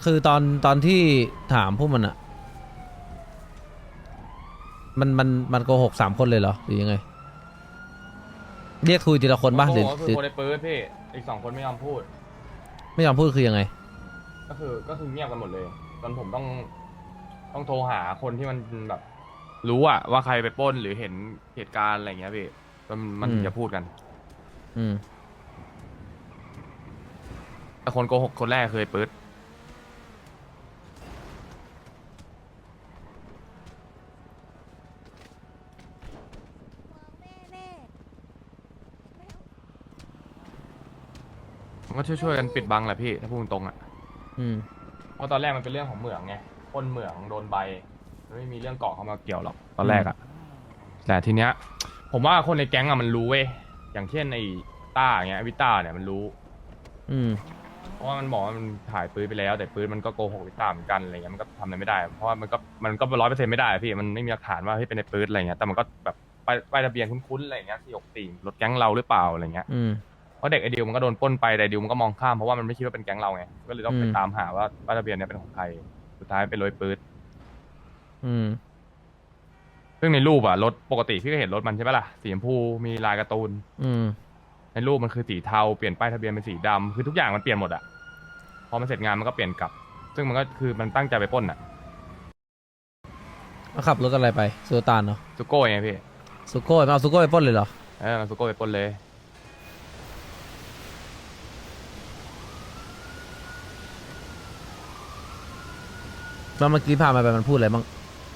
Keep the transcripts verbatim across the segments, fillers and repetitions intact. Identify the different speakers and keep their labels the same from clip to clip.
Speaker 1: คือตอนตอนที่ถามพวกมันอะมันมันมันโกหกสามคนเลยเหรอหรือยังไงเรียกคุยทีละคน
Speaker 2: คน
Speaker 1: ป่ะหรือ
Speaker 2: โกงก็คือ
Speaker 1: หรือ
Speaker 2: คนในปืนพี่อีกสองคนไม่ยอมพูด
Speaker 1: ไม่ยอมพูดคือยังไง
Speaker 2: ก็คือก็คือเงียบกันหมดเลยจนผมต้องต้องโทรหาคนที่มันแบบรู้อะว่าใครไปปล้นหรือเห็นเหตุการณ์อะไรเงี้ยพี่จนมันถึ
Speaker 1: อืม
Speaker 2: งจะพูดกัน
Speaker 1: อืม
Speaker 2: แต่คนโกหกคนแรกเคยปื๊ดมันก็ช่วยๆกันปิดบังแหละพี่ถ้าพูดตรงๆอะ
Speaker 1: อืม
Speaker 2: เพราะตอนแรกมันเป็นเรื่องของเหมืองไงปล้นเหมืองโดนใบมันไม่มีเรื่องเกาะเข้ามาเกี่ยวหรอกตอน
Speaker 1: อืม
Speaker 2: แรกอะแต่ทีเนี้ยผมว่าคนในแก๊งอะมันรู้เว้ยอย่างเช่นไอ้ต้าอย่างเงี้ยวิต้าเนี่ยมันรู้
Speaker 1: อืม
Speaker 2: เพราะว่ามันบอกว่ามันถ่ายปืนไปแล้วแต่ปืนมันก็โกหกวิต้าเหมือนกันอะไรเงี้ยมันก็ทำอะไรไม่ได้เพราะว่ามันก็มันก็ร้อยเปอร์เซ็นต์ไม่ได้อะพี่มันไม่มีหลักฐานว่าเฮ้ยเป็นในปืนอะไรเงี้ยแต่มันก็แบบป้ายป้ายทะเบียนคุ้นๆอะไรเงี้ยสี่หกสี่รถแก๊งเราหรือเปล่าอะไรเงี้ย
Speaker 1: อืม
Speaker 2: เพราะเด็กไอเดียวมันก็โดนปล้นไปแต่ไอ้ดิวมันก็มองข้ามเพราะว่ามันไม่คิดว่าเป็นแก๊งเราไงก็เลยต้องไป
Speaker 1: อืม
Speaker 2: ตามหาว่าป้ายทะเบียนเนี้ยเป็นของใครสุดท้ายเป็นรอยปืน
Speaker 1: อืม
Speaker 2: ซึ่งในรูปอะรถปกติพี่ก็เห็นรถมันใช่ปะล่ะสีชมพูมีลายการ์ตูน
Speaker 1: อืม
Speaker 2: ในรูปมันคือสีเทาเปลี่ยนป้ายทะเบียนเป็นสีดำคือทุกอย่างมันเปลี่ยนหมดอะพอมันเสร็จงานมันก็เปลี่ยนกลับซึ่งมันก็คือมันตั้งใจไปปล้นอะ
Speaker 1: แล้วขับรถอะไรไปซูตานเนาะ
Speaker 2: ซูโก้ไงพี่
Speaker 1: ซูโก้ไม่เอาซูโก้ไปปล้นเลยเหรอ
Speaker 2: เออมันซูโก้ไปปล้นเลย
Speaker 1: แล้วเมื่อกี้พามาไปมันพูดอะไรบ้าง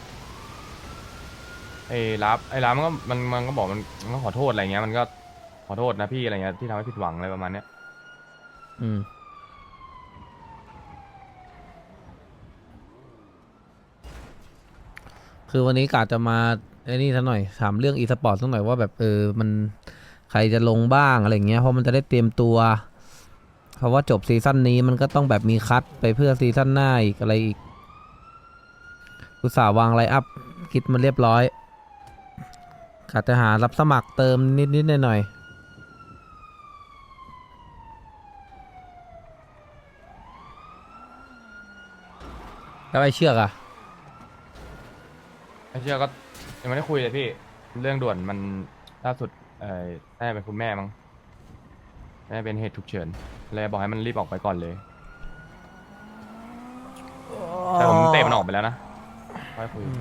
Speaker 2: ไอ้รับไอ้รับมันก็มันมันก็บอกมันมันก็ขอโทษอะไรเงี้ยมันก็ขอโทษนะพี่อะไรเงี้ยที่ทำให้ผิดหวังอะไรประมาณเนี้ย
Speaker 1: อืมคือวันนี้กะจะมาไอ้นี่ซะหน่อยถามเรื่องอีสปอร์ตสักหน่อยว่าแบบเออมันใครจะลงบ้างอะไรเงี้ยเพราะมันจะได้เตรียมตัวเพราะว่าจบซีซั่นนี้มันก็ต้องแบบมีคัดไปเพื่อซีซั่นหน้าอีกอะไรอีกอุตส่าห์วางไลน์อัพคิดมาเรียบร้อยกะจะหารับสมัครเติมนิดๆหน่อยๆแล้วไอ้เชือกอะ
Speaker 2: ไอ้เชื่อก็ยังไม่ได้คุยเลยพี่เรื่องด่วนมันล่าสุดเออน่าจะเป็นคุณแม่มั้งน่าจะเป็นเหตุฉุกเฉินเลยบอกให้มันรีบออกไปก่อนเลย แต่ผมเตะมันออกไปแล้วนะค่อยคุย
Speaker 1: อืม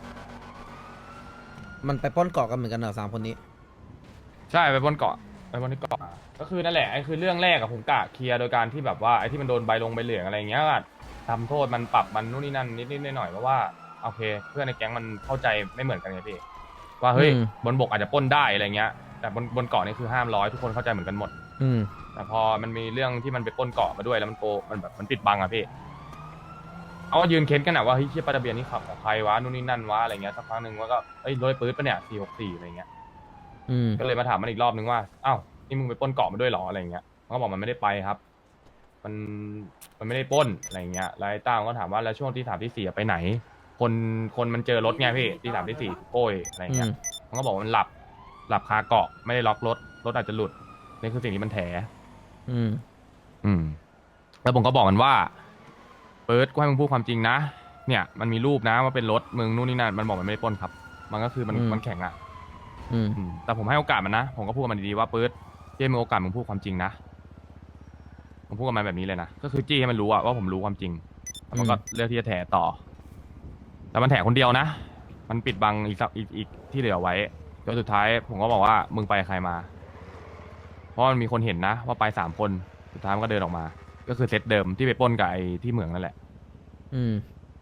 Speaker 1: มันไปปล้นเกาะกันเหมือนกันเหรอสามคนนี้
Speaker 2: ใช่ไปบนเกาะไปบนที่เกาะก็คือนั่นแหละไอ้คือเรื่องแรกอะผมกะเคลียร์โดยการที่แบบว่าไอ้ที่มันโดนใบลงใบเหลืองอะไรอย่างเงี้ยก็ทำโทษมันปรับมันนู่นนี่นั่นนิดนิดหน่อยๆเพราะว่าโอเคเพื่อนในแก๊งมันเข้าใจไม่เหมือนกันไงพี่ว่า
Speaker 1: อื
Speaker 2: เฮ้ย
Speaker 1: ม
Speaker 2: บนบกอาจจะปล้นได้อะไรเงี้ยแต่บนบนเกาะนี่คือห้ามร้อยทุกคนเข้าใจเหมือนกันหมด
Speaker 1: อืม
Speaker 2: แต่พอมันมีเรื่องที่มันไปปล้นเกาะมาด้วยแล้วมันโกมันแบบมันปิดบังอะพี่เอาก็ยืนเค้นกันอะว่าเฮ้ยเชี่ยปลาทะเบียนนี่ขับของใครวะนู่นนี่นั่นวะอะไรเงี้ยสักพักหนึ่งว่าก็เอ้ยรถปื๊ดปะเนี่ยสี่หกสี่อะไรเงี้ย
Speaker 1: อืม
Speaker 2: ก็เลยมาถามมันอีกรอบนึงว่าอ้าวนี่มึงไปปล้นเกาะมาด้วยเหรออะไรอย่างเงี้ยมันก็บอกมันไม่ได้ไปครับ มันมันไม่ได้ปล้นอะไรอย่างเงี้ยแล้วไอ้ต้ามันก็ถามว่าแล้วช่วงที่สามที่สี่อะไปไหน คนคนมันเจอรถไงพี่ที่สามที่สี่โก้ยอะไรอย่างเงี้ย
Speaker 1: อืม
Speaker 2: มันก็บอกว่ามันหลับหลับคาเกาะไม่ได้ล็อกรถรถอาจจะหลุดนี่คือสิ่งที่มันแถ
Speaker 1: อืม
Speaker 2: อืมแล้วผมก็บอกมันว่าเปิดกูให้มึงพูดความจริงนะเนี่ยมันมีรูปนะว่าเป็นรถมึงนู่นนี่นั่นมันบอกมันไม่ได้ปล้นครับ มันก็คือมัน
Speaker 1: อืม
Speaker 2: มันแข็งอ่ะ
Speaker 1: อืม
Speaker 2: อืมแต่ผมให้โอกาสมันนะผมก็พูดกับมันดีๆว่าปื๊ดจี้ให้มึงโอกาสมึงพูดความจริงนะผมพูดกับมันแบบนี้เลยนะก็คือจี้ให้มันรู้อะว่าผมรู้ความจริงแล้วมันก็เลือกที่จะแถต่อแต่มันแถคนเดียวนะมันปิดบังอีกสักอีกอีกที่เหลือไว้จนสุดท้ายผมก็บอกว่ามึงไปกับใครมาเพราะมันมีคนเห็นนะว่าไปสามคนสุดท้ายมันก็เดินออกมาก็คือเซตเดิมที่ไปปล้นกับไอ้ที่เหมืองนั่นแหละ
Speaker 1: อืม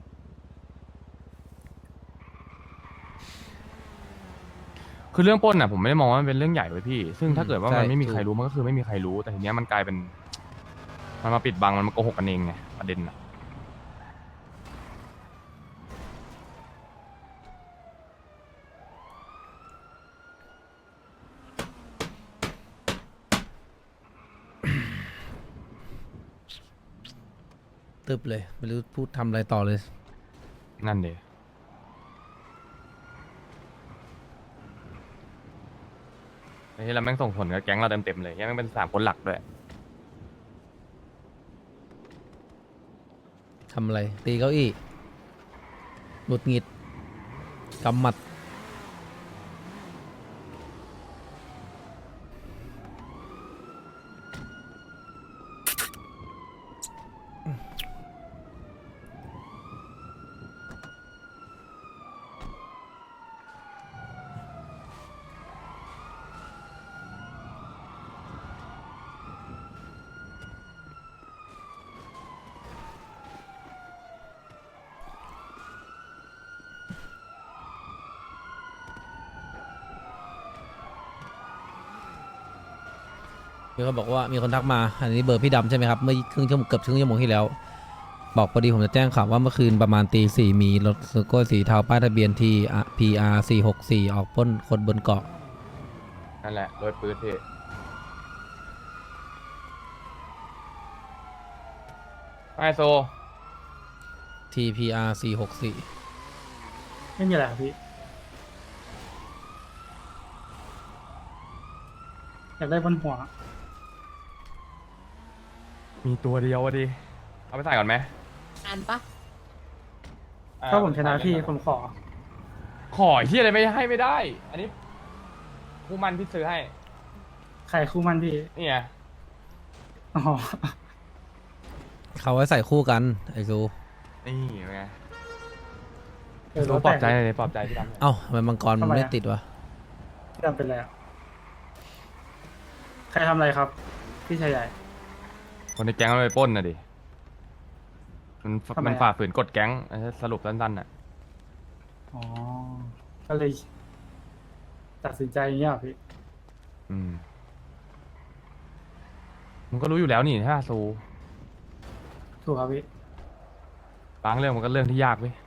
Speaker 2: คือเรื่องปล้นอ่ะผมไม่ได้มองว่ามันเป็นเรื่องใหญ่ไว้ยพี่ซึ่ง
Speaker 1: อืม
Speaker 2: ถ้าเกิดว่า
Speaker 1: ใช่
Speaker 2: มันไม่มีใค
Speaker 1: ถูก
Speaker 2: รรู้มันก็คือไม่มีใครรู้แต่ทีเนี้ยมันกลายเป็นมันมาปิดบังมันมาโกหกกันเองไงประเด็นอะ
Speaker 1: ตึบเลยไม่รู้พูดทำอะไรต่อเลย
Speaker 2: นั่นเดยไอ้ที่เราแม่งส่งผลกับแก๊งเราเต็มๆเลยยังแม่งเป็นสามคนหลักด้วย
Speaker 1: ทำอะไรตีเก้าอี้หงุดหงิดกำหมัดมีคนบอกว่ามีคนทักมาอันนี้เบอร์พี่ดำใช่ไหมครับเมื่อครึ่งชั่วโมงเกือบครึ่งชั่วโมงที่แล้วบอกพอดีผมจะแจ้งข่าวว่าเมื่อคืนประมาณตีสี่มีรถซูโก้สีเทาป้ายทะเบียนทีพีอาร์สี่หกสี่ออกปล้นคนบนเกาะ
Speaker 2: นั่นแหละโดยปืนพี่ไอโซ
Speaker 1: ที พี อาร์ สี่หกสี่
Speaker 3: ไม่มีอะไรครับพี่อยากได้บนหัว
Speaker 2: มีตัวเดียวอะดิเอาไปใส่ก่อนไหม
Speaker 4: อ่านปะ
Speaker 2: อ่
Speaker 3: ถ้าผมชนะพี่ผมขอ
Speaker 2: ขอที่อะไรไม่ให้ไม่ได้ อันนี้คู่มันพี่ซื้อให้
Speaker 3: ใครคู่มันพี่
Speaker 2: นี่ไง
Speaker 3: อ๋อ
Speaker 1: เขาไว้ใส่คู่กันไอซู
Speaker 2: นี่ไง
Speaker 3: เออ
Speaker 2: รู้ปลอบใจเลยปลอบใจพี่ดำหน่อย
Speaker 1: เอ้าทำไมมังกรมัน
Speaker 3: ทำไมอะ
Speaker 1: ไม่ติดวะ
Speaker 3: พี่ดำเป็นไรอ่ะใครทำอะไรครับ พี่ชายใหญ่
Speaker 2: คนในแก๊งมันไปปล้นน่ะดิ มัน
Speaker 3: ทำไมอะ
Speaker 2: มันฝ่าฝืนกฎแก๊งอันนี้สรุปสั้นๆน่ะ
Speaker 3: อ๋อ ก็เลย ตัดสินใจอย่างเงี้ยเหรอพี่
Speaker 2: อืมมึงก็รู้อยู่แล้วนี่ถ้าซู
Speaker 3: ถูกครับพี่
Speaker 2: บางเรื่องมันก็เรื่องที่ยากเว้ย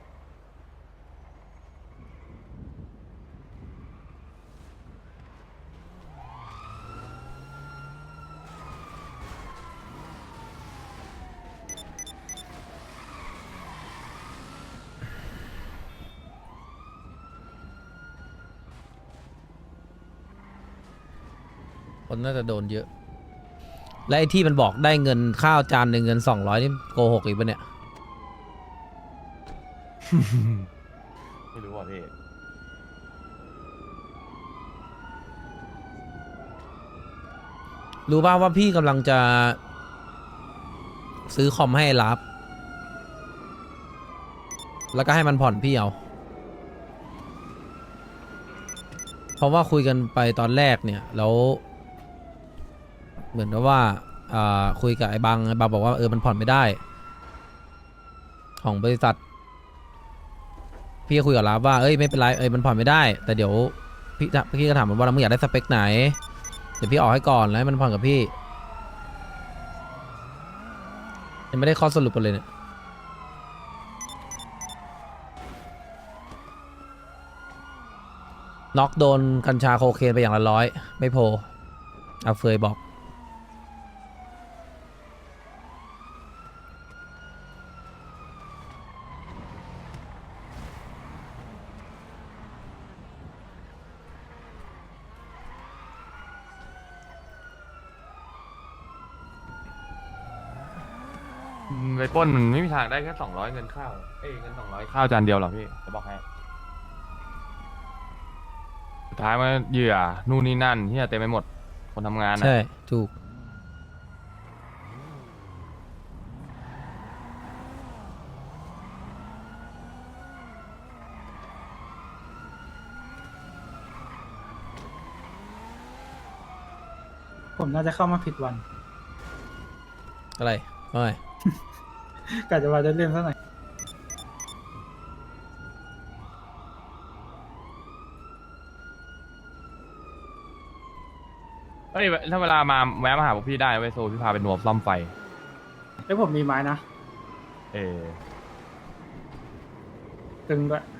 Speaker 1: คนน่าจะโดนเยอะ และไอที่มันบอกได้เงินข้าวจานหนึ่งเงินสองร้อยนี่โกหกอีกปะเนี่ย
Speaker 2: ไม่รู้อ่ะพี่
Speaker 1: รู้ป่าวว่าพี่กำลังจะ ซื้อคอมให้รับ แล้วก็ให้มันผ่อนพี่เอา เพราะว่าคุยกันไปตอนแรกเนี่ย แล้ว เหมือนกับว่าอ่าคุยกับไอ้บางไอ้บางบอกว่าเออมันผ่อนไม่ได้ ของบริษัท พี่ก็คุยกับรับว่าเอ้ยไม่เป็นไรเอ้ยมันผ่อนไม่ได้ แต่เดี๋ยวพี่พี่ก็ถามมันว่ามึงอยากได้สเปคไหน เดี๋ยวพี่ออกให้ก่อนแล้วให้มันผ่อนกับพี่ยังไม่ได้ข้อสรุปกันเลยเนี่ยน็อกโดนกัญชาโคเคนไปอย่างละร้อยไม่โพเอาเฟยบอก
Speaker 2: อืมไปปล้นมันไม่มีทางได้แค่สองร้อยเงินข้าว เอ้ยเงินสองร้อยข้าวจานเดียวหรอกพี่ จะบอกให้ สุดท้ายมันเหยื่อ นู่นนี่นั่นที่เต็มไปหมด คนทำงานอ่ะ
Speaker 1: ใช่ถูก
Speaker 3: ผมน่าจะเข้ามาผิดวัน
Speaker 1: อะไรไม่
Speaker 3: กะจะมาได้เล่นซะหน่อย
Speaker 2: เฮ้ย ถ้าเวลามาแวะมาหาพวกพี่ได้เว้ยโซพี่พาไปหนวบซ่อมไฟ
Speaker 3: แล้วผมมีไม้นะ
Speaker 2: เออ
Speaker 3: ตึงด้วย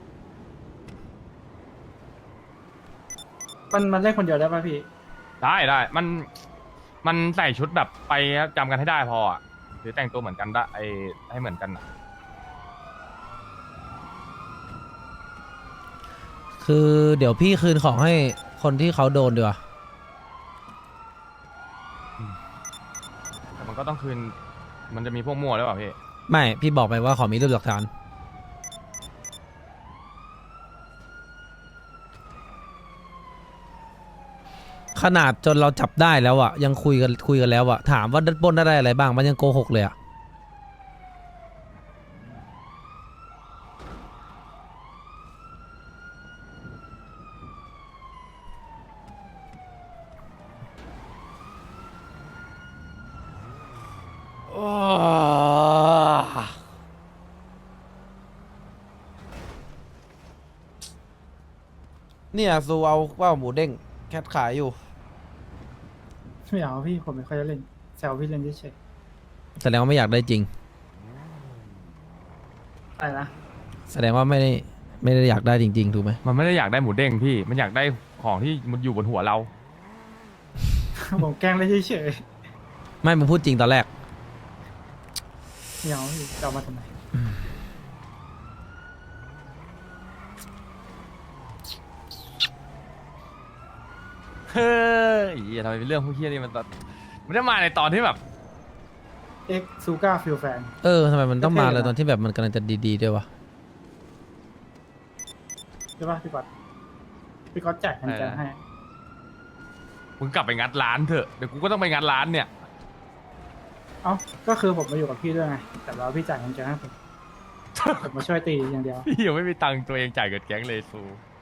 Speaker 3: มันมันเล่นคนเดียวได้ป่ะพี่
Speaker 2: ได้ได้มันมันใส่ชุดแบบไปจำกันให้ได้พออ่ะหรือแต่งตัวเหมือนกันได้ไอให้เหมือนกันอ่ะ
Speaker 1: คือเดี๋ยวพี่คืนของให้คนที่เขาโดนดีกว่า
Speaker 2: แต่มันก็ต้องคืนมันจะมีพวกมั่วหรือเปล่าพี่
Speaker 1: ไม่พี่บอกไปว่าขอมีรูปหลักฐานขนาดจนเราจับได้แล้วอะยังคุยกันคุยกันแล้วอะถามว่าดัดปล้นได้อะไรบ้างมันยังโกหกเลยอะเนี่ยซูเอาว่าหมูเด้งแคทขายอยู่
Speaker 3: ไม่เอาพี่ผมไม่ค่อยจะเล่นแซวพี่เล่นเฉย
Speaker 1: แสดงว่าไม่อยากได้จริง
Speaker 3: ๆอะไรนะ
Speaker 1: แสดงว่าไม่ได้ไม่ได้อยากได้จริง ๆ ถูกไหม
Speaker 2: มันไม่ได้อยากได้หมูเด้งพี่ มันอยากได้ของที่มันอยู่บนหัวเรา
Speaker 3: ผมแกล้งเล่นเฉย
Speaker 1: ไม่มึงพูดจริงตอนแรก
Speaker 3: ๆไม่เอาพี่จะเอามาทำไม
Speaker 2: เฮ้ยเหี้ยทำไมเป็นเรื่องพวกเฮี้ยนี่มันตัดมันจะมาในตอนที่แบบ
Speaker 3: เอ็กซูก้าฟิลแฟน
Speaker 1: เออทำไมมันต้องมา
Speaker 3: ก็เท่
Speaker 1: เลย
Speaker 3: นะ
Speaker 1: ตอนที่แบบมันกำลังจะดีๆด้วยวะ
Speaker 3: ใช่ป่ะพี่ก๊อตพี่ก๊อตแจกกันแจกให้
Speaker 2: มึงกลับไปงัดร้านเถอะ เดี๋ยวกูก็ต้องไปงัดร้านเนี่ย
Speaker 3: เอ้าก็คือผมมาอยู่กับพี่ด้วยไงแต่ว่าพี่จ่ายกันแจกให้ผมผมมาช่วยตีอย่างเดียว
Speaker 2: พี่ยังไม่มีตังค์ตัวเองจ่ายเกิดแก๊งเลยซู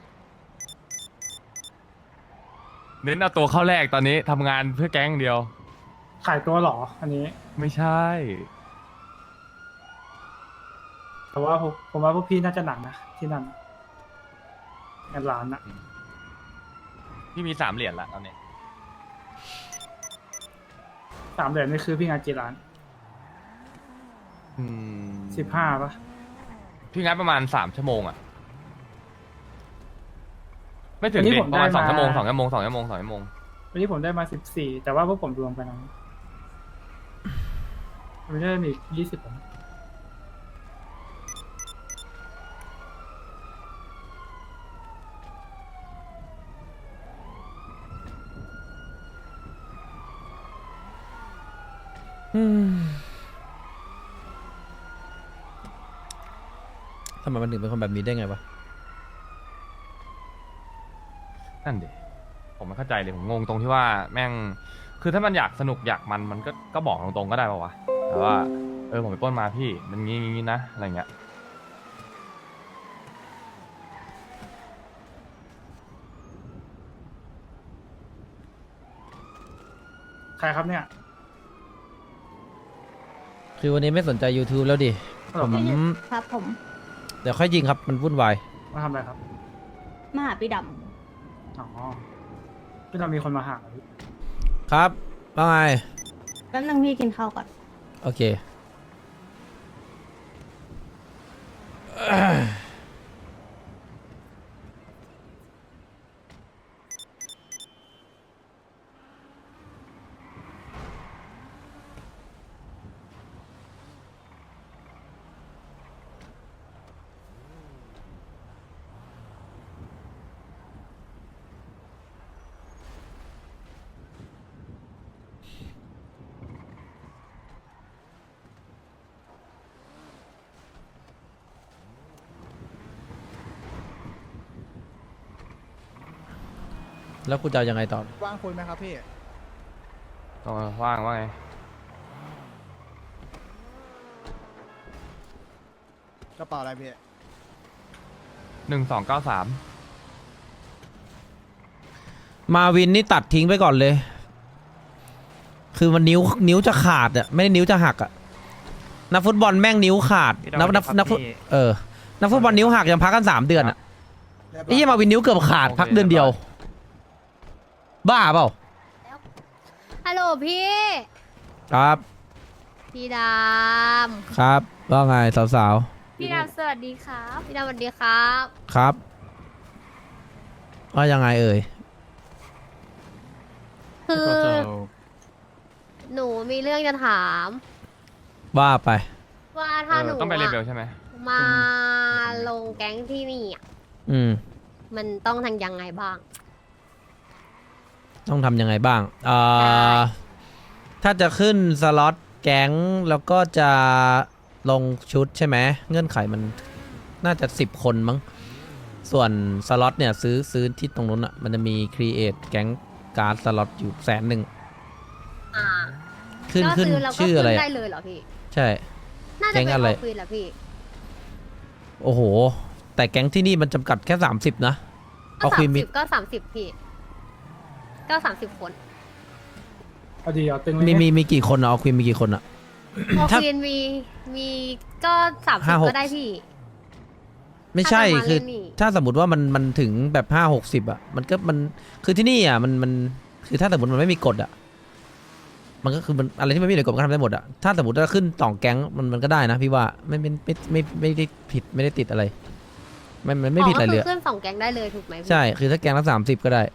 Speaker 2: เน้นเอาตัวเข้าแรกตอนนี้ทำงานเพื่อแก๊งเดียว
Speaker 3: ขายตัวเหรอ อันนี้
Speaker 2: ไม่ใช่
Speaker 3: แต่ว่าผมผมว่าพวกพี่น่าจะหนักนะที่นั่นงานร้านนะ
Speaker 2: พี่มีสามเหรียญละตอนนี้
Speaker 3: สามเหรียญนี่คือพี่งานกี่ร้าน
Speaker 2: อืม
Speaker 3: สิบห้าป่ะ
Speaker 2: พี่งัดประมาณสามชั่วโมงอะไม่ถึง
Speaker 3: วันนี้
Speaker 2: ดิ
Speaker 3: ผม
Speaker 2: ประมาณ
Speaker 3: ได้
Speaker 2: สอง
Speaker 3: มา
Speaker 2: ชั่วโมงสองชั่วโมงสองชั่วโมงสองชั่วโมง
Speaker 3: วันนี้ผมได้มาสิบสี่แต่ว่าพวกผมรวมกันนะไม่ใช่มียี่สิบผม
Speaker 1: อืมทำไมมันถึงเป็นคนแบบนี้ได้ไงวะ
Speaker 2: นั่นดิผมไม่เข้าใจเลยผมงงตรงที่ว่าแม่ง คือถ้ามันอยากสนุกอยากมันมันก็ก็บอกตรงๆก็ได้ป่าวะแต่ว่าเออผมไปปล้นมาพี่มันงี้งี้นะอะไรเงี้ย
Speaker 3: ใครครับเนี่ย
Speaker 1: คือวันนี้ไม่สนใจ YouTube แล้วดิ
Speaker 3: ฮัลโหล
Speaker 1: ผม
Speaker 3: ครับ
Speaker 4: ครับผม
Speaker 1: เดี๋ยวค่อยยิงครับมันวุ่นวาย
Speaker 3: มาทำอะไรครับ
Speaker 4: มาหาพี่ด
Speaker 3: อ๋อพี่เรามีคนมาหาเหรอพี่
Speaker 1: ครับว่าไง
Speaker 4: ำแป๊บนึงพี่กินข้าวก่อน
Speaker 1: โอเค แล้วกูจะเอายังไงต่อ
Speaker 5: ว่างคุยไหมครับพี่
Speaker 2: ต้องว่างว่าไง
Speaker 5: กระเป๋าอะไรพี่
Speaker 2: หนึ่งสองเก้าสาม
Speaker 1: มาวินนี่ตัดทิ้งไปก่อนเลย คือมันนิ้วนิ้วจะขาดอะไม่ได้นิ้วจะหักอะนักฟุตบอลแม่งนิ้วขาดนักนักนักฟุตเออนักฟุตบอลนิ้วหักยังพักกันสามเดือนอะไอ้เหี้ยมาวินนิ้วเกือบขาดพักเดือนเดียว บ้าเปล่า
Speaker 6: ฮัลโหลพี่
Speaker 1: ครับ
Speaker 6: พี่ด
Speaker 1: ครับว่าไงสาว
Speaker 6: ำ พี่ดำสวัสดีครับ พี่ดำสวัสดีครับ
Speaker 1: ๆครับว่ายังไงเอ่ย
Speaker 6: คือ หนูมีเรื่องจะถาม
Speaker 1: ว่าไป
Speaker 6: ว่า
Speaker 2: เอ
Speaker 6: ถ้าหนู
Speaker 2: อต้องไปเลเวล
Speaker 6: อะ
Speaker 2: ใช่ไหม
Speaker 6: มาลงแก๊งที่นี่อะ
Speaker 1: อืม
Speaker 6: มันต้องทำยังไงบ้าง
Speaker 1: ต้องทำยังไงบ้างเอ่อถ้าจะขึ้นสล็อตแก๊งแล้วก็จะลงชุดใช่ไหมเงื่อนไขมันน่าจะสิบคนมั้งส่วนสล็อตเนี่ยซื้อซื้อที่ตรงนู้นอ่ะมันจะมี create แก๊งการ์ดสล็อตอยู่แสนหนึ่ง
Speaker 6: อ่า
Speaker 1: ขึ้น
Speaker 6: ก็
Speaker 1: ขึ้น
Speaker 6: ซื้อแล้วก็
Speaker 1: ชื่ออะไร
Speaker 6: ขึ้น
Speaker 1: อะ
Speaker 6: ได้เลยเหรอพี่
Speaker 1: ใช่
Speaker 6: น่าจะ
Speaker 1: แก๊ง
Speaker 6: เป็น
Speaker 1: อะไร
Speaker 6: ออฟฟิศแหละพี่
Speaker 1: โอ้โห แต่แก๊งที่นี่มันจำกัดแค่สามสิบนะ
Speaker 6: ก็
Speaker 1: เอาค
Speaker 6: สา
Speaker 1: วี
Speaker 6: ม
Speaker 1: นมิ
Speaker 6: สิบก็สามสิบพี่ก็สามสิบคน
Speaker 3: เอาดีเอาตึงเลย
Speaker 1: มี
Speaker 3: เนี่ย
Speaker 1: มีมีกี่คนอะเอาควีนมีกี่คนอะ
Speaker 6: พอ
Speaker 1: ถ้า
Speaker 6: ควีนมีมีก็สามสิ
Speaker 1: ห้า
Speaker 6: บ
Speaker 1: หก
Speaker 6: ก็ได้พี่
Speaker 1: ไม่ใช่
Speaker 6: ถ้าจะมา
Speaker 1: คือ
Speaker 6: เล่นนี่
Speaker 1: ถ้าสมมติว่ามันมันถึงแบบห้าหกสิบอะมันก็มันคือที่นี่อะมันมันคือถ้าสมมติมันไม่มีกฎอะมันก็คือมันอะไรที่มันไม่มีในกฎมันก็ทำได้หมดอะถ้าสมมติว่าขึ้นสองแก๊งมันมันก็ได้นะพี่ว่าไม่ไม่ไม่ไม่ไม่ได้ผิดไม่ได้ติดอะไรไม่มันไม่ผิดอะไรเลย
Speaker 6: ก็คือขึ้นสองแก๊งได้เลยถูกไหมพี่
Speaker 1: ใช่คือถ้าแก๊งละสามสิบก็ได้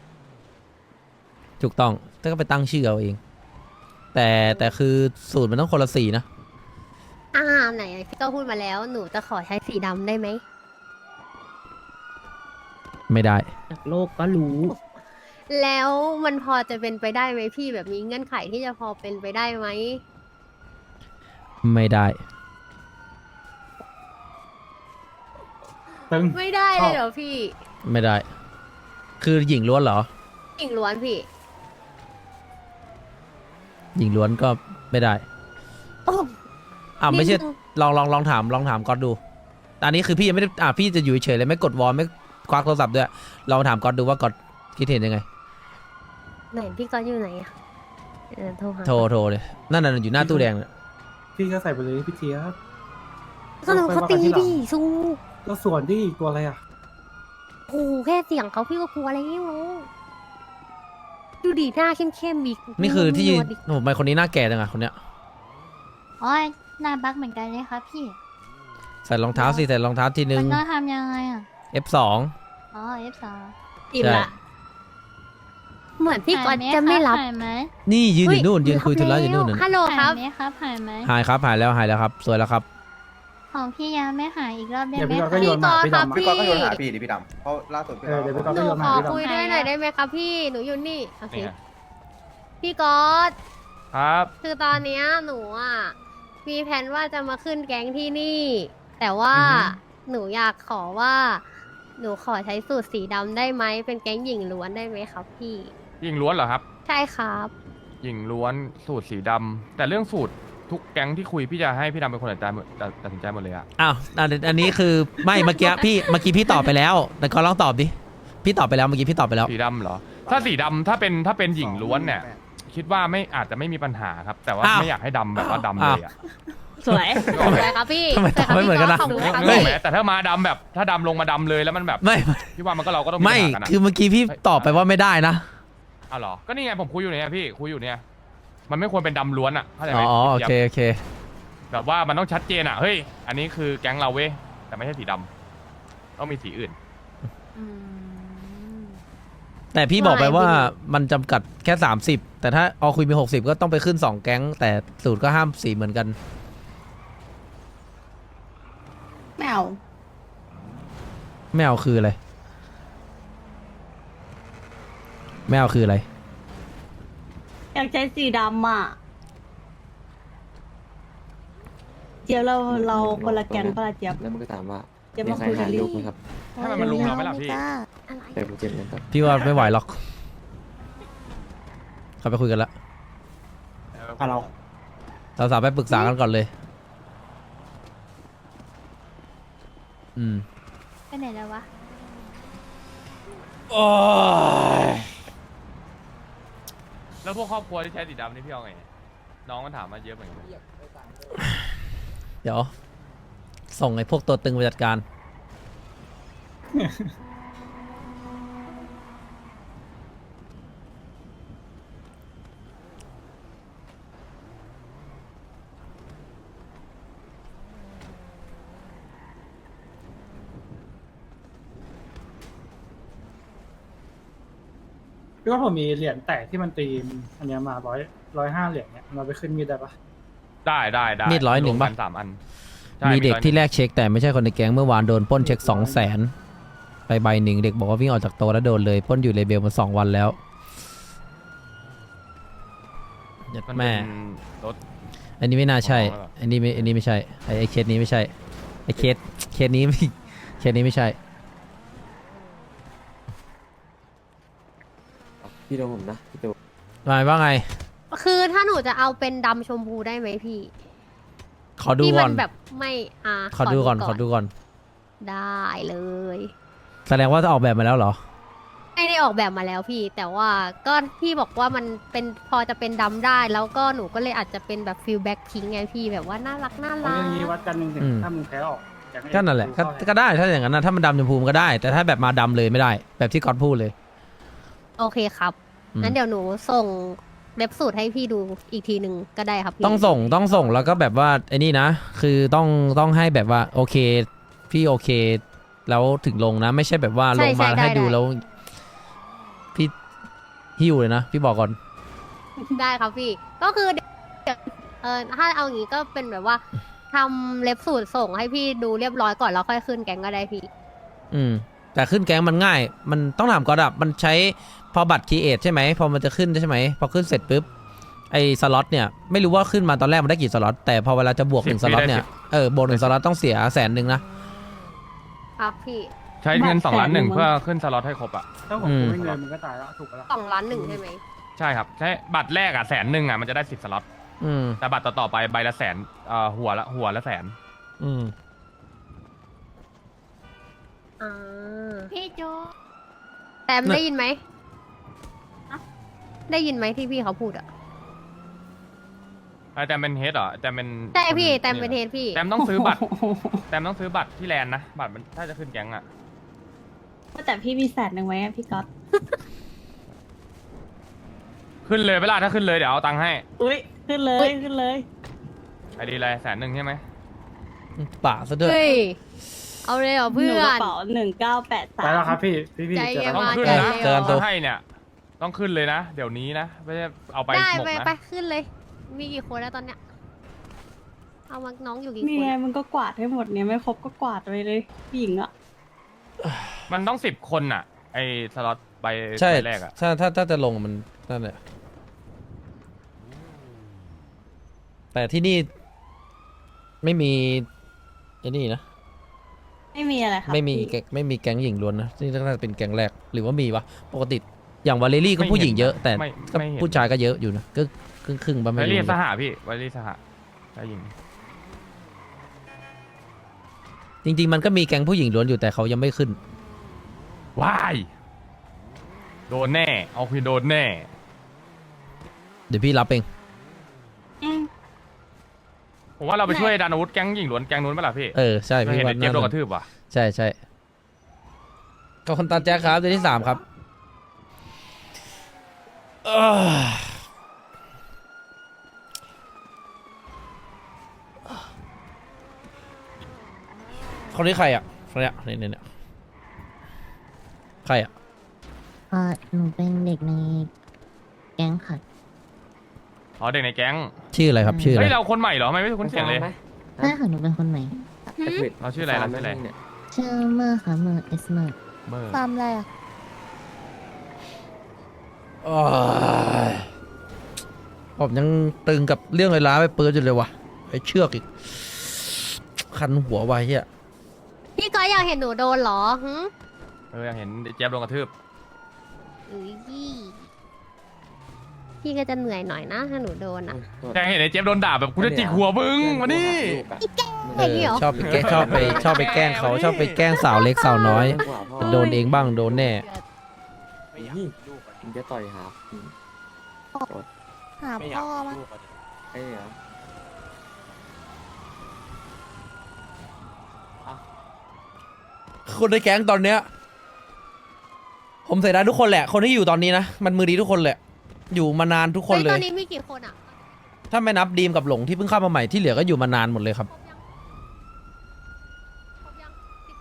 Speaker 1: ถูกต้องถ้าก็ไปตั้งชื่อเอาเอง แต่แต่คือสูตรมันต้องคนละสีนะ
Speaker 6: อ่าไหนพี่ก็พูดมาแล้วหนูจะขอใช้สีดำได้ไหม
Speaker 1: ไม่ได้
Speaker 7: จากโลกก็รู้
Speaker 6: แล้วมันพอจะเป็นไปได้ไหมพี่แบบมีเงื่อนไขที่จะพอเป็นไปได้ไหม
Speaker 1: ไม่ได้
Speaker 3: ตึง
Speaker 6: ไม่ได้เลยเหรอพี่
Speaker 1: ไม่ได้ คือหญิงล้วนเหรอ
Speaker 6: หญิงล้วนพี่
Speaker 1: หญิงล้วนก็ไม่ได้
Speaker 6: โอ้
Speaker 1: อ่าไม่ใช่
Speaker 6: นิดนึง
Speaker 1: ลองลองลองถามลองถามก๊อตดูอันนี้คือพี่ยังไม่ได้อ่าพี่จะอยู่เฉยๆเลยไม่กดวอลไม่ควักโทรศัพท์ด้วยลองถามก๊อตดูว่าก๊อตคิดเห็นยังไง
Speaker 6: ไหนพี่ก็อยู่ไหนอะเออโทรหา
Speaker 1: โทรโทรเลยนั่นน่ะอยู่หน้าตู้แดงเนี่ย
Speaker 3: พี่ก็ใส่ไปเลยพี่เทียบ
Speaker 6: ก็เราเขาตีดิสู้
Speaker 3: ก็ส่วนที่ตัวอะไรอ่ะ
Speaker 6: โอ้โหแค่เสียงเขาพี่ก็กลัวแล้วดูดีหน้าเข้มๆอีก
Speaker 1: นี่คือที่
Speaker 6: หนวดอีก
Speaker 1: โอ้โหทำไมคนนี้หน้าแก่จังอะคนเนี้ย
Speaker 4: อ๋อหน้าบักเหมือนกันเลยครับพี่
Speaker 1: ใส่รองเท้าสิใส่รองเท้าทีนึ
Speaker 4: มั
Speaker 1: ง
Speaker 4: นต้องทำยังไงอ่ะ
Speaker 1: เอฟ สอง
Speaker 4: อ๋อ เอฟ สอง
Speaker 6: อิ่ม
Speaker 1: ใช่
Speaker 6: ละเหมือนพี่ก๊อตจะไม่รับ
Speaker 4: หายไหม
Speaker 1: นี่ยืนอยู่นู่น
Speaker 6: เฮ้
Speaker 1: ยืนคุยธุระอยู่นู่น
Speaker 6: รับ
Speaker 1: น่ะ
Speaker 6: ฮัลโหลค
Speaker 4: หา
Speaker 6: รั
Speaker 4: ย
Speaker 6: บ
Speaker 4: ไหมครับหายไหม
Speaker 1: หายครับหายแล้วหายแล้วครับสวยแล้วครับ
Speaker 4: ของพี่ยังไม่หายอีกรอบได้
Speaker 3: เดี๋ยว
Speaker 4: ไหม
Speaker 3: พี่
Speaker 4: ค
Speaker 3: ก็
Speaker 4: รับ
Speaker 3: โยนมาพี่ดำ
Speaker 6: พี่
Speaker 3: อะ
Speaker 6: ก๊อต
Speaker 8: พี่กอนก็โยนหาพี่ดิพี่ดำเพราะล่าสุดพี่
Speaker 3: เออเดี๋ยวพี่ก๊อต
Speaker 6: หนู
Speaker 3: โยน
Speaker 6: ข
Speaker 3: มา
Speaker 6: อ
Speaker 3: พี่ดำ
Speaker 6: คุยด้วยหน่อยได้ไหมครับพี่หนูอยู่นี่โอเค
Speaker 2: นี่ไง
Speaker 6: พี่ก๊อต
Speaker 2: ครับ
Speaker 6: คือตอนเนี้ยหนูอ่ะมีแผนว่าจะมาขึ้นแก๊งที่นี่ แต่ว่า
Speaker 2: อือฮึ
Speaker 6: หนูอยากขอว่า หนูขอใช้สูตรสีดำได้ไหมเป็นแก๊งหญิงล้วนได้ไหมครับพี่
Speaker 2: หญิงล้วนเหรอครับ
Speaker 6: ใช่ครับ
Speaker 2: หญิงล้วนสูตรสีดำแต่เรื่องสูตรทุกแก๊งที่คุยพี่จะให้พี่ดำเป็นคนตัดใจหมดตัดสินใจหมดเลยอะ
Speaker 1: อ้าวอันอันนี้คือไม่เมื่อกี้พี่เมื่อกี้พี่ตอบไปแล้ว แต่ก็ลองตอบดิพี่ตอบไปแล้วเมื่อกี้พี่ตอบไปแล้ว
Speaker 2: สีดำเหรอ ถ้าสีดำถ้าเป็นถ้าเป็นหญิงล้วนเนี่ย คิดว่าไม่อาจจะไม่มีปัญหาครับ แต่ว่า
Speaker 1: อ้าว
Speaker 2: ไม่อยากให้ดำแบบว่าดำเลยอะ
Speaker 7: สวย
Speaker 2: นึกออกไหม
Speaker 6: สวยครับพี่
Speaker 1: ทำไม
Speaker 6: สวยครับ
Speaker 1: ตอบไม่เหมือนกันนะ
Speaker 6: ขอบคุณครับ
Speaker 2: นึกอ
Speaker 6: พี่
Speaker 2: อกไหมแต่ถ้ามาดำแบบถ้าดำลงมาดำเลยแล้วมันแบบ
Speaker 1: ไม่
Speaker 2: พี่ว่ามันก็เราก็ต้อง
Speaker 1: ไม่
Speaker 2: ปัญหากันอะ
Speaker 1: คือเมื่อกี้พี่ตอบไปว่าไม่ได้นะ
Speaker 2: อ้าวเหรอก็นี่ไงผมคุยอยู่เนี่ยพี่คุยอยู่เนี่ย มันไม่ควรเป็นดำล้วนอะเข้าใจไห
Speaker 1: อ๋
Speaker 2: ม
Speaker 1: อโอเคโอเค
Speaker 2: แบบว่ามันต้องชัดเจนอะเฮ้ยอันนี้คือแก๊งเราเว้ยแต่ไม่ใช่สีดำต้องมีสีอื่น
Speaker 6: อืม
Speaker 1: แต่พี่บอกไปว่า
Speaker 6: ไม่
Speaker 1: มันจำกัดแค่สามสิบแต่ถ้าออคุยมีหกสิบก็ต้องไปขึ้นสองแก๊ง แต่สูตรก็ห้ามสีเหมือนกัน
Speaker 4: ไม่เอา
Speaker 1: ไม่เอาคืออะไรไม่เอาคืออะไร
Speaker 4: อยากใช้สีดำอ่ะเจี๊ยบเราเราคนละแกนปะล่ะเจี๊ยบ
Speaker 8: แล้วมันก็ถามว่า
Speaker 4: เจี๊ยบ
Speaker 8: มี
Speaker 4: มา
Speaker 8: ใคร
Speaker 4: คุยกั
Speaker 8: หาน
Speaker 4: ดิ
Speaker 8: ลูกไหมครับ
Speaker 2: ให้มันมาลุมเราไหมล่ะพี่
Speaker 6: อะไร
Speaker 8: แต่ผมเจ็บนะครับ
Speaker 1: พี่ว่าไม่ไหวหรอกเขาไปคุยกันละ
Speaker 3: อ่ะเรา
Speaker 1: เราสาวไปปรึกษากันก่อนเลย อืม
Speaker 4: ไปไหนแล้ววะ
Speaker 2: แล้วพวกครอบครัวที่ใช้สีดำนี่พี่เอาไงน้องมันถามมาเยอะเหมือนกัน
Speaker 1: เดี๋ยว ส่งไอ้พวกตัวตึงไปจัดการ
Speaker 3: พี่ว่าผมมีเหรียญแตกที่มันตีมอันเนี้ยมาร้อยร้อยห้าเหรียญเนี่ยเราไปขึ้นมีดได้ปะ
Speaker 2: ได้ได้ได้
Speaker 1: มีดร้อยหนึ่ง
Speaker 2: วมกั
Speaker 1: ปะ
Speaker 2: สามอันใช่
Speaker 1: มีเด็ก
Speaker 2: ร้อยหนึ่ง
Speaker 1: ที่แรกเช็คแต่ไม่ใช่คนในแก๊งเมื่อวานโดนปล้นเช็คสองแสนไปใบหนึ่งเด็กบอกว่าวิ่งออกจากโตะแล้วโดนเลยปล้นอยู่เลเบลมาสองวันแล้วยัด
Speaker 2: มัน
Speaker 1: แม่
Speaker 2: เป็นรถ
Speaker 1: อันนี้ไม่น่าใช่
Speaker 2: อ๋อเหรอ
Speaker 1: อันนี้ไม่อันนี้ไม่ใช่ไอไอเคสนี้ไม่ใช่ไอเคสเคสนี้ไม่เคสนี้ไม่ใช่
Speaker 8: พี่ดูผมนะพี่ดู
Speaker 1: หมายว่าไง
Speaker 6: คือถ้าหนูจะเอาเป็นดำชมพูได้ไหมพี่
Speaker 1: ขอดู
Speaker 6: ที่
Speaker 1: ก่
Speaker 6: มั
Speaker 1: อน
Speaker 6: แบบไม่อ่า
Speaker 1: ขอดูก่อนขอดูก่อน
Speaker 6: ได้เลย
Speaker 1: แสดงว่าจะออกแบบมาแล้วเหรอ
Speaker 6: ไม่ได้ออกแบบมาแล้วพี่ แต่ว่าก็พี่บอกว่ามันเป็นพอจะเป็นดำได้ แล้วก็หนูก็เลยอาจจะเป็นแบบฟิลแบ็คพิงไงพี่แบบว่าน่ารักน่า
Speaker 3: เอา
Speaker 6: รัก
Speaker 3: เรื่องนี้วัดกันหนึ่งถึง
Speaker 1: อืม
Speaker 3: ถ้ามึงแพ้ออกจาก
Speaker 1: ก็นั่นแหละก็ก็ได้ถ้าอย่างนั้นนะถ้ามันดำชมพูมันก็ได้ แต่ถ้าแบบมาดำเลยไม่ได้ แบบที่ก๊อตพูดเลย
Speaker 6: โอเคครับ
Speaker 1: อืม
Speaker 6: งั้นเดี๋ยวหนูส่งเล็บสูตรให้พี่ดูอีกทีหนึ่งก็ได้ครับพี่
Speaker 1: ต้องส่งต้องส่งแล้วก็แบบว่าไอ้นี่นะ คือต้องต้องให้แบบว่าโอเค พี่โอเค แล้วถึงลงนะ ไม่ใช่แบบว่าลงมาให้ดูแล้ว พี่หิวเลยนะ พี่บอกก่อน
Speaker 6: ได้ครับพี่ ก็คือเดี๋ยวเออถ้าเอาอย่างงี้ก็เป็นแบบว่าทำเล็บสูตรส่งให้พี่ดูเรียบร้อยก่อนแล้วค่อยขึ้นแก๊งก็ได้พี่
Speaker 1: อืม แต่ขึ้นแก๊งมันง่าย มันต้องถามก่อนอะมันใช้พอบัตรคีเอทใช่ไหมพอมันจะขึ้นใช่ไหมพอขึ้นเสร็จปุ๊บไอ้สล็อตเนี่ยไม่รู้ว่าขึ้นมาตอนแรกมันได้กี่สล็อตแต่พอเวลาจะบวกหนึ่ง
Speaker 2: สิ
Speaker 1: ส
Speaker 2: บ
Speaker 1: ล็อต
Speaker 2: ได้
Speaker 1: เนี่
Speaker 2: สิ
Speaker 1: ย
Speaker 2: บ
Speaker 1: เออบวกหนึ่งสล็อตต้องเสียแสนหนึ่งนะครับ
Speaker 6: พี่
Speaker 2: ใช้เงินสองล้านหนึ่ง
Speaker 4: แสนหนึ่ง
Speaker 2: เพื่อขึ้นสล็อตให้ครบอ่ะ
Speaker 3: ถ้าผม
Speaker 1: อืม
Speaker 3: กูไม่เงินมึงก็ตายแล้วถูกปะล่ะ
Speaker 6: สองล้านหนึ่งใช่ไหม
Speaker 2: ใช่ครับใช้บัตรแรกอ่ะแสนหนึ่งอ่ะมันจะได้สิบสล็อต
Speaker 1: อืม
Speaker 2: แต่บัตรต่อๆไปใบละแสนเอ่อหัวละหัวละแสน
Speaker 1: อืม
Speaker 6: อ่า
Speaker 4: พี่โจ
Speaker 6: แตมได้ยินไหมได้ยินไหมที่พี่เขาพูดอ่ะ
Speaker 2: ไอ้แตมเป็นเฮดเหรอแตมเป็น
Speaker 6: ใช่พี่
Speaker 2: ค
Speaker 6: แตมเป็นเทสพี่
Speaker 2: แตมต้องซื้อบัตรแตมต้องซื้อบัตรที่แลนด์นะบัตรมันถ้าจะขึ้นแก๊งอ่ะ
Speaker 4: แต่พี่มีแสนหนึ่งไว้อะพี่ก๊อต
Speaker 2: ขึ้นเลยเวลาถ้าขึ้นเลยเดี๋ยวเอาตังค์ให้
Speaker 4: อุ้ยขึ้นเลยขึ้นเลย
Speaker 2: ไอดีอะไรแสนหนึ่งใช่ไหม
Speaker 1: ป่าซะด้วย
Speaker 6: เฮ้ย เอาเลยเหรอ
Speaker 4: ห
Speaker 6: เพื่
Speaker 4: นู
Speaker 6: อก
Speaker 4: ระ
Speaker 6: น
Speaker 4: เป๋าหนึ่งเก้าแปดสา
Speaker 3: ไปแล้ว
Speaker 4: ม
Speaker 3: ครับพี่พี่พี่
Speaker 6: ใจ
Speaker 3: เจอ
Speaker 6: เย็น
Speaker 3: กัน
Speaker 2: ต้อง
Speaker 6: มา
Speaker 2: ขึ้น
Speaker 6: ใจ
Speaker 2: นะ
Speaker 6: เร็ว
Speaker 1: เจอกันตัว
Speaker 2: ถ้าให้เนี่ยต้องขึ้นเลยนะ เดี๋ยวนี้นะไม่ใช่เอาไป
Speaker 6: ได้
Speaker 2: หมก
Speaker 6: ไป
Speaker 2: นะ
Speaker 6: ไปขึ้นเลย มีกี่คนแล้วตอนเนี้ย เอามาน้องอยู่กี่
Speaker 4: นี่
Speaker 6: คน
Speaker 4: ไง
Speaker 6: อะ
Speaker 4: มันก็กวาดให้หมดเนี่ยไม่ครบก็กวาดไปเลยผู้หญิงอะ
Speaker 2: มันต้องสิบคนอ่ะ ไอสล็อตใบ
Speaker 1: ใช่
Speaker 2: ใบแรกอ่ะ
Speaker 1: ถ้าถ้าถ้าจะลงมันนั่นแหละแต่ที่นี่ ไม่มีไอ้นี่นะ
Speaker 4: ไม่มีอะไรครับ
Speaker 1: ไม่มี
Speaker 4: พี่
Speaker 1: แก๊งไม่มีแก๊งหญิงล้วนนะนี่น่าจะเป็นแก๊งแรกหรือว่ามีวะปกติอย่างวาเลรี่ก็ผู้หญิงเยอะ แต่
Speaker 2: ไม่
Speaker 1: ก็
Speaker 2: ไม่เห็น
Speaker 1: ผู้ชายก็เยอะอยู่นะก็ครึ่งครึ่งๆบ้าง
Speaker 2: ไว
Speaker 1: ไม่
Speaker 2: รี่
Speaker 1: รู้
Speaker 2: สหะพี่ไวรี่สหะได้ยิง
Speaker 1: จริง ๆ มันก็มีแก๊งผู้หญิงล้วนอยู่แต่เขายังไม่ขึ้น
Speaker 2: ว้ายโดนแน่ เอาคือโดนแน่
Speaker 1: เดี๋ยวพี่รับเอง
Speaker 4: อืม
Speaker 2: ผมว่าเราไปช่วยดันอาวุธแก๊งหญิงล้วนแก๊งนู้นไหมล่ะพี่
Speaker 1: เออใช่
Speaker 2: ไม่
Speaker 1: พี่
Speaker 2: เห็น
Speaker 1: ว่า
Speaker 2: ไอ้เจี๊ยบโดนก
Speaker 1: น่า
Speaker 2: ระทืบว่ะ
Speaker 1: ใช่ใช่ก็คนตาแจ๊คครับเดือนที่สามครับเอ้อคนนี้ใครอ่ะคนเนี้ยเนี่ยเนี่ยเนี่ยใครอ่ะ
Speaker 9: เออหนูเป็นเด็กในแก๊งค่ะ
Speaker 2: อ๋อเด็กในแก๊ง
Speaker 1: ชื่ออะไรครับชื่ออะไร
Speaker 2: เฮ้ยเราคนใหม่เหรอทำไมไม่คุ้นเสียงเลย
Speaker 9: ใช่ค่ะ หนูเป็นคนใหม่
Speaker 2: เราชื่ออะไรเราชื่ออะไร
Speaker 9: ชื่อเมอร์ค่ะ เมอร์เอสเมอร์
Speaker 2: เมอร์
Speaker 9: ฟาร์มอะไรอะ
Speaker 1: โอ้ยผมยังตึงกับเรื่องไอ้ล้าไปเปิดอยู่เลยว่ะไอ้เชือกอีก คันหัวไว้เฮีย
Speaker 6: พี่ก็อยากเห็นหนูโดนเหรอหึ
Speaker 2: เอออยากเห็นไอ้เจี๊ยบโดนกระทืบ
Speaker 6: เอ้ยพี่ก็จะเหนื่อยหน่อยนะถ้าหนูโดนอ่ะ
Speaker 2: อยากเห็นไอ้เจี๊ยบโดนด่าแบบกูจะจิกหัวมึงมานี่
Speaker 6: ไอ้เหี้ย
Speaker 1: ชอบไปแกล้งชอบไปชอบไปแกล้งเขาชอบไปแกล้งสาวเล็กสาวน้อย โดนเองบ้างโดนแน่
Speaker 8: มึงจะต่อยหา
Speaker 9: หาพ่อมา
Speaker 8: ไอ้เหรอ
Speaker 1: คนในแก๊งตอนเนี้ย ผมเสียดายทุกคนแหละ คนที่อยู่ตอนนี้นะ มันมือดีทุกคนแหละ อยู่มานานทุกคน
Speaker 6: เฮ้ย
Speaker 1: เล
Speaker 6: ตอย นนี้มีกี่คนอ่ะ
Speaker 1: ถ้าไม่นับดีมกับหลงที่เพิ่งเข้ามาใหม่ที่เหลือก็อยู่มานานหมดเลยครับ
Speaker 6: ครบยัง
Speaker 1: ผม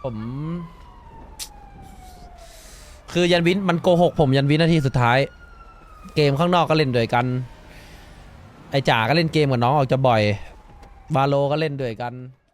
Speaker 1: คือยันวินมันโกหกผมยันวินาทีสุดท้าย เกมข้างนอกก็เล่นด้วยกัน ไอจ๋าก็เล่นเกมกับน้องออกจะบ่อย บาโลก็เล่นด้วยกัน